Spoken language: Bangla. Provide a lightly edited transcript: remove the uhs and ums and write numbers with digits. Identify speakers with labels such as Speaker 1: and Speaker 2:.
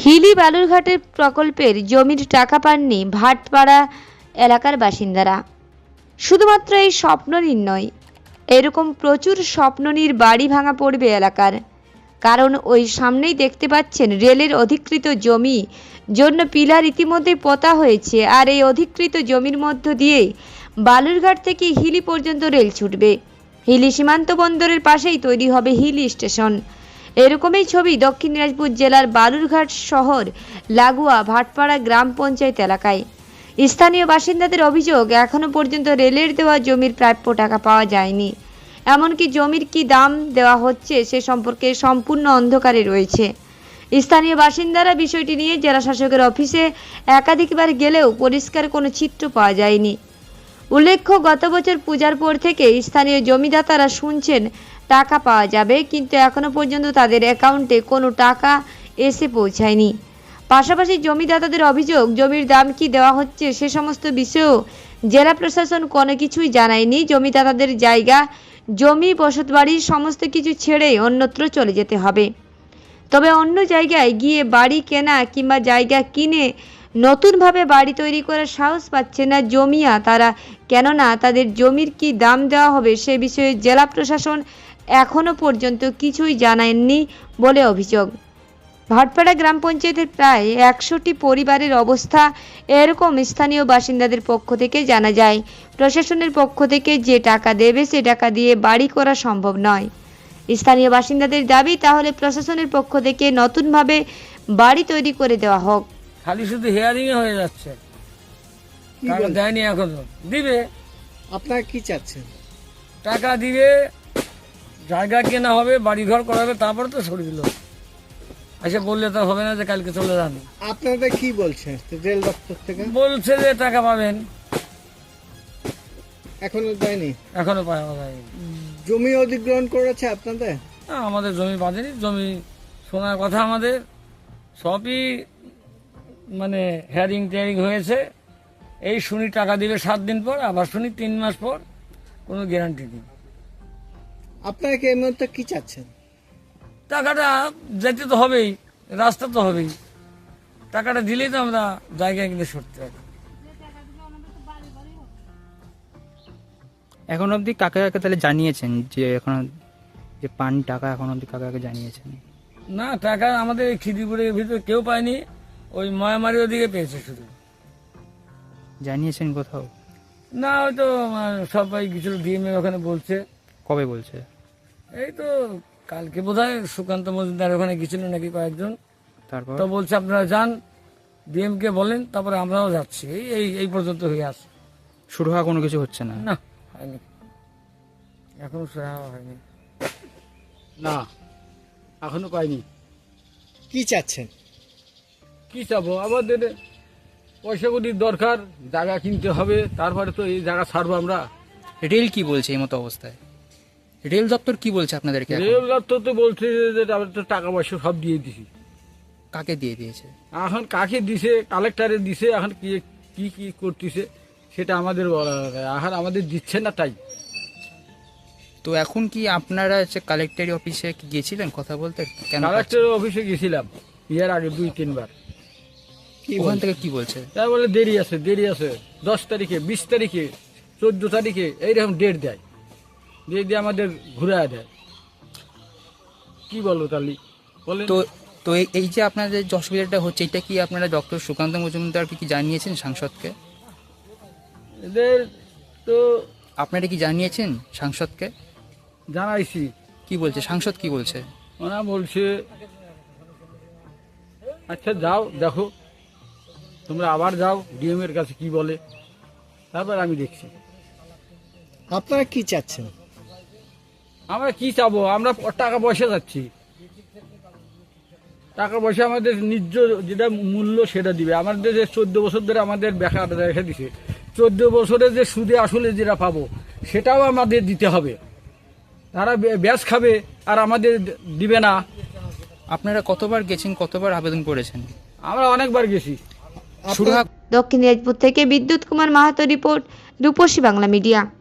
Speaker 1: হিলি বালুরঘাটের প্রকল্পের জমির টাকা পাননি ভাটপাড়া এলাকার বাসিন্দারা। শুধুমাত্র এই স্বপ্ননীর নয়, এরকম প্রচুর স্বপ্ননীর বাড়ি ভাঙা পড়বে এলাকার। কারণ ওই সামনেই দেখতে পাচ্ছেন রেলের অধিকৃত জমি জন্য পিলার ইতিমধ্যে পোতা হয়েছে, আর এই অধিকৃত জমির মধ্য দিয়ে বালুরঘাট থেকে হিলি পর্যন্ত রেল ছুটবে। হিলি সীমান্ত বন্দরের পাশেই তৈরি হবে হিলি স্টেশন। এরকমই ছবি দক্ষিণ দিনাজপুর জেলার বালুরঘাট শহর লাগোয়া ভাটপাড়া গ্রাম পঞ্চায়েত এলাকায়। স্থানীয় বাসিন্দাদের অভিযোগ, এখনো পর্যন্ত রেলের দেওয়া জমির প্রাপ্য টাকা পাওয়া যায়নি। এমনকি জমির কি দাম দেওয়া হচ্ছে সে সম্পর্কে সম্পূর্ণ অন্ধকারে রয়েছে। স্থানীয় বাসিন্দারা বিষয়টি নিয়ে জেলা শাসকের অফিসে একাধিকবার গেলেও পরিষ্কার কোনো চিত্র পাওয়া যায়নি। উল্লেখ্য, গত বছর পূজার পর থেকে স্থানীয় জমিদাতারা শুনছেন টাকা পাওয়া যাবে, কিন্তু এখনো পর্যন্ত তাদের অ্যাকাউন্টে কোনো টাকা এসে পৌঁছায়নি। পাশাপাশি জমিদাতাদের অভিযোগ, জমির দাম কি দেওয়া হচ্ছে সে সমস্ত বিষয়েও জেলা প্রশাসন কোনো কিছুই জানায়নি। জমিদাতাদের জায়গা, জমি, বসতবাড়ির সমস্ত কিছু ছেড়ে অন্যত্র চলে যেতে হবে। তবে অন্য জায়গায় গিয়ে বাড়ি কেনা কিংবা জায়গা কিনে নতুনভাবে বাড়ি তৈরি করার সাহস পাচ্ছে না জমিয়া তারা, কেননা তাদের জমির কি দাম দেওয়া হবে সে বিষয়ে জেলা প্রশাসন এখনো পর্যন্ত কিছুই জানায়নি বলে অভিযোগ। ভাটপাড়া গ্রাম পঞ্চায়েতের প্রায় 100টি পরিবারের অবস্থা এরকম। স্থানীয় বাসিন্দাদের পক্ষ থেকে জানা যায়, প্রশাসনের পক্ষ থেকে যে টাকা দেবে সে টাকা দিয়ে বাড়ি করা সম্ভব নয়। স্থানীয় বাসিন্দাদের দাবি, তাহলে প্রশাসনের পক্ষ থেকে নতুনভাবে বাড়ি তৈরি করে দেওয়া হোক।
Speaker 2: খালি শুধু হেয়ারিং হয়ে যাচ্ছে, টাকা দেয়নি, এখনো দিবে।
Speaker 3: আপনারা কি চাচ্ছেন?
Speaker 2: টাকা দিবে, জায়গা কেনা হবে, বাড়ি ঘর করা হবে, তারপরে তো সরে দিল। এসে বললে তো হবে না যে কালকে চলে যান।
Speaker 3: আপনাদের কি বলছে রেল দপ্তর থেকে?
Speaker 2: বলছে যে টাকা পাবেন,
Speaker 3: এখনো দেয়নি।
Speaker 2: এখনো পাওয়া যায়নি।
Speaker 3: জমি অধিগ্রহণ করেছে আপনাদের?
Speaker 2: না, আমাদের জমি বাঁধেনি। জমি শোনার কথা আমাদের সবই মানে হেয়ারিং টেয়ারিং হয়েছে। এই শুনি টাকা দিবে 7 দিন পর, আবার শুনি 3 মাস পর, কোনো গ্যারান্টি নেই।
Speaker 3: আপনারা কি এই মুহূর্তে কি চাচ্ছেন?
Speaker 2: টাকাটা যেতে তো হবেই, রাস্তা তো হবেই। টাকাটা দিলেই তো আমরা জায়গায় কিনে সরতে পারি।
Speaker 4: এখন অবধি কাকে কাকে তাহলে জানিয়েছেন যে এখন যে পান টাকা এখন অবধি কাকে কাকে জানিয়েছেন?
Speaker 2: না, টাকা আমাদের এই খিদিপুরের ভিতরে কেউ পায়নি, ওই ময়ামারি ওদিকে পেয়েছে শুধু।
Speaker 4: জানিয়েছেন কোথাও?
Speaker 2: না, হয়তো সবাই গেছিল ডিএমএ, ওখানে বলছে।
Speaker 4: কবে বলছে?
Speaker 2: এই তো কালকে বোধহয় সুকান্ত মজুমদার ওখানে গেছিল নাকি কয়েকজন,
Speaker 4: তারপর
Speaker 2: তো বলছে আপনারা যান, ডিএম কে বলেন, তারপরে আমরাও যাচ্ছি। এই এই পর্যন্ত হয়ে আসে।
Speaker 4: শুরু হওয়া কোনো কিছু হচ্ছে না?
Speaker 2: না, হয়নি, এখনো শুরু হয়নি।
Speaker 5: না, এখনো পাইনি।
Speaker 3: কি চাচ্ছেন?
Speaker 5: কি চাবো, আমাদের পয়সা কড়ির দরকার, জায়গা কিনতে হবে, তারপরে তো এই জায়গা ছাড়বো আমরা।
Speaker 4: রেল কি বলছে এই মতো অবস্থায়? রেল দপ্তর কি বলছে আপনাদেরকে এখন?
Speaker 5: রেল দপ্তর তো বলছে যে আমরা তো টাকা পয়সা সব দিয়ে দিছি।
Speaker 4: কাকে দিয়ে দিয়েছে?
Speaker 5: এখন কাকে দিছে, কালেক্টরে দিছে, এখন কি কি কি করতেছে সেটা আমাদের বলা হবে। এখন আমাদের দিচ্ছে না, তাই।
Speaker 4: তো এখন কি আপনারা হচ্ছে কালেক্টরি অফিসে কি গিয়েছিলেন কথা বলতে? কেন
Speaker 5: কালেক্টরের অফিসে গেছিলাম এর আগে 2-3 বার।
Speaker 4: ওখান থেকে কি বলছে?
Speaker 5: তাই বলে দেরি আছে, দেরি আছে। 10 তারিখে, 20 তারিখে, 14 তারিখে এইরকম ডেট দেয়, ডেট দিয়ে আমাদের ঘুরে দেয়। কি বলবো তাহলে বলেন?
Speaker 4: তো তো এই যে আপনাদের যে অসুবিধাটা হচ্ছে, এটা কি আপনারা ডক্টর সুকান্ত মজুমদারকে কি জানিয়েছেন, সাংসদকে?
Speaker 5: এদের তো
Speaker 4: আপনারা কি জানিয়েছেন সাংসদকে?
Speaker 5: জানাইছি।
Speaker 4: কি বলছে সাংসদ, কি বলছে?
Speaker 5: ওরা বলছে আচ্ছা যাও, দেখো তোমরা আবার যাও, ডিএম এর কাছে কি বলে, তারপর আমি দেখছি।
Speaker 3: আপনারা কি চাচ্ছেন?
Speaker 5: আমরা কি চাবো, আমরা টাকা পয়সা যাচ্ছি। টাকা পয়সা আমাদের নিজ যেটা মূল্য সেটা দিবে। আমাদের যে 14 বছর ধরে আমাদের বেকার রেখে দিছে, 14 বছরে যে সুদে আসলে যেটা পাবো সেটাও আমাদের দিতে হবে। তারা ব্যাস খাবে আর আমাদের দিবে না।
Speaker 4: আপনারা কতবার গেছেন, কতবার আবেদন করেছেন?
Speaker 5: আমরা অনেকবার গেছি।
Speaker 4: শুরু
Speaker 1: দক্ষিণ দিনাজপুর থেকে বিদ্যুৎ কুমার মাহাতো রিপোর্ট, রূপসী বাংলা মিডিয়া।